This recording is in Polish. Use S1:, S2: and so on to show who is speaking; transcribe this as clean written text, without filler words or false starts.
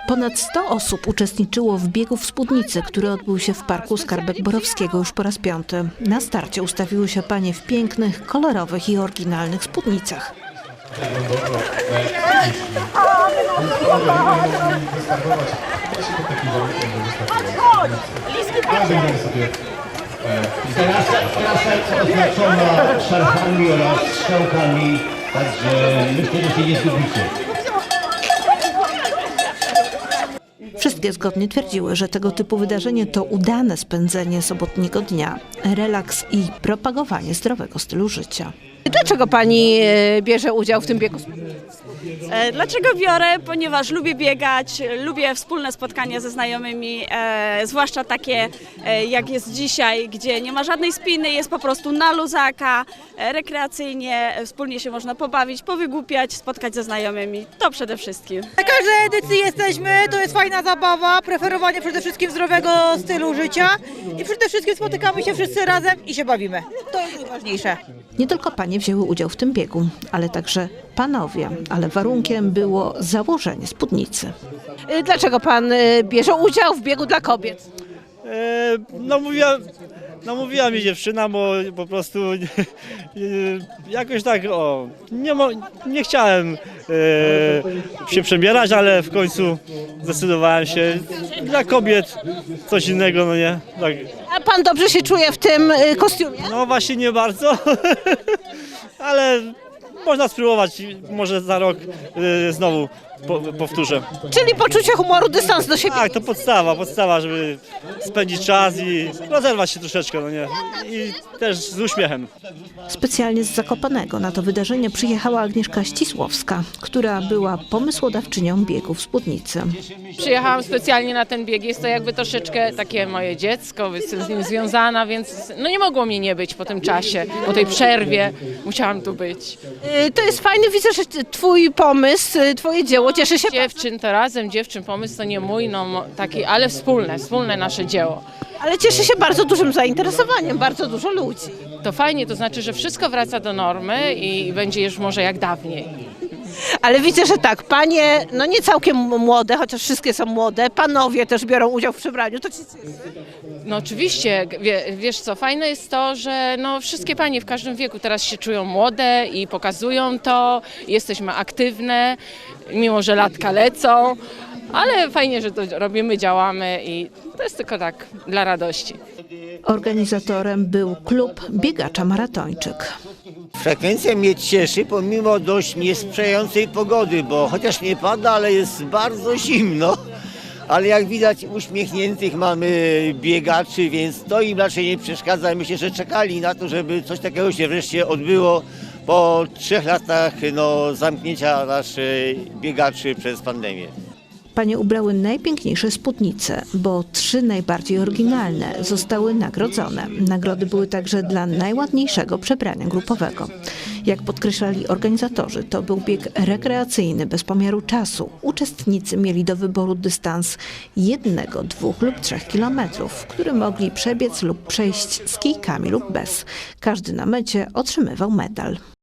S1: Ponad 100 osób uczestniczyło w biegu w spódnicy, który odbył się w Parku Skarbek Borowskiego już po raz 5. Na starcie ustawiły się panie w pięknych, kolorowych i oryginalnych spódnicach.
S2: Trasa oznaczona szarfami oraz strzałkami, także myślę, że się nie zgubicie.
S1: Wszystkie zgodnie twierdziły, że tego typu wydarzenie to udane spędzenie sobotniego dnia, relaks i propagowanie zdrowego stylu życia.
S3: Dlaczego pani bierze udział w tym biegu?
S4: Dlaczego biorę? Ponieważ lubię biegać, lubię wspólne spotkania ze znajomymi, zwłaszcza takie jak jest dzisiaj, gdzie nie ma żadnej spiny, jest po prostu na luzaka, rekreacyjnie, wspólnie się można pobawić, powygłupiać, spotkać ze znajomymi, to przede wszystkim.
S5: Na każdej edycji jesteśmy, to jest fajna zabawa, preferowanie przede wszystkim zdrowego stylu życia i przede wszystkim spotykamy się wszyscy razem i się bawimy. To jest najważniejsze.
S1: Nie tylko panie wzięły udział w tym biegu, ale także panowie, ale warunkiem było założenie spódnicy.
S3: Dlaczego pan bierze udział w biegu dla kobiet?
S6: Namówiła mi dziewczyna, bo po prostu jakoś tak nie chciałem się przebierać, ale w końcu zdecydowałem się. Dla kobiet coś innego, no nie? Tak.
S3: A pan dobrze się czuje w tym kostiumie?
S6: No właśnie nie bardzo, ale można spróbować, może za rok znowu powtórzę.
S3: Czyli poczucie humoru, dystans do siebie.
S6: Tak, to podstawa, żeby spędzić czas i rozerwać się troszeczkę, no nie? I też z uśmiechem.
S1: Specjalnie z Zakopanego na to wydarzenie przyjechała Agnieszka Ścisłowska, która była pomysłodawczynią biegu w spódnicy.
S7: Przyjechałam specjalnie na ten bieg, jest to jakby troszeczkę takie moje dziecko, jestem z nim związana, więc no nie mogło mnie nie być po tym czasie, po tej przerwie, musiałam tu być.
S3: To jest fajne, widzę, że twój pomysł, twoje dzieło cieszy się.
S7: Dziewczyn to razem, pomysł to nie mój, no taki, ale wspólne nasze dzieło.
S3: Ale cieszy się bardzo dużym zainteresowaniem, bardzo dużo ludzi.
S7: To fajnie, to znaczy, że wszystko wraca do normy i będzie już może jak dawniej.
S3: Ale widzę, że tak, panie, no nie całkiem młode, chociaż wszystkie są młode, panowie też biorą udział w przebraniu, to ci cieszy.
S7: No oczywiście, wiesz co, fajne jest to, że no wszystkie panie w każdym wieku teraz się czują młode i pokazują to, jesteśmy aktywne, mimo że latka lecą, ale fajnie, że to robimy, działamy i to jest tylko tak dla radości.
S1: Organizatorem był klub Biegacza Maratończyk.
S2: Frekwencja mnie cieszy pomimo dość niesprzyjającej pogody, bo chociaż nie pada, ale jest bardzo zimno. Ale jak widać uśmiechniętych mamy biegaczy, więc to im raczej nie przeszkadza. Myślę, że czekali na to, żeby coś takiego się wreszcie odbyło po 3 latach zamknięcia naszych biegaczy przez pandemię.
S1: Panie ubrały najpiękniejsze spódnice, bo 3 najbardziej oryginalne zostały nagrodzone. Nagrody były także dla najładniejszego przebrania grupowego. Jak podkreślali organizatorzy, to był bieg rekreacyjny bez pomiaru czasu. Uczestnicy mieli do wyboru dystans 1, 2 lub 3 kilometrów, który mogli przebiec lub przejść z kijkami lub bez. Każdy na mecie otrzymywał medal.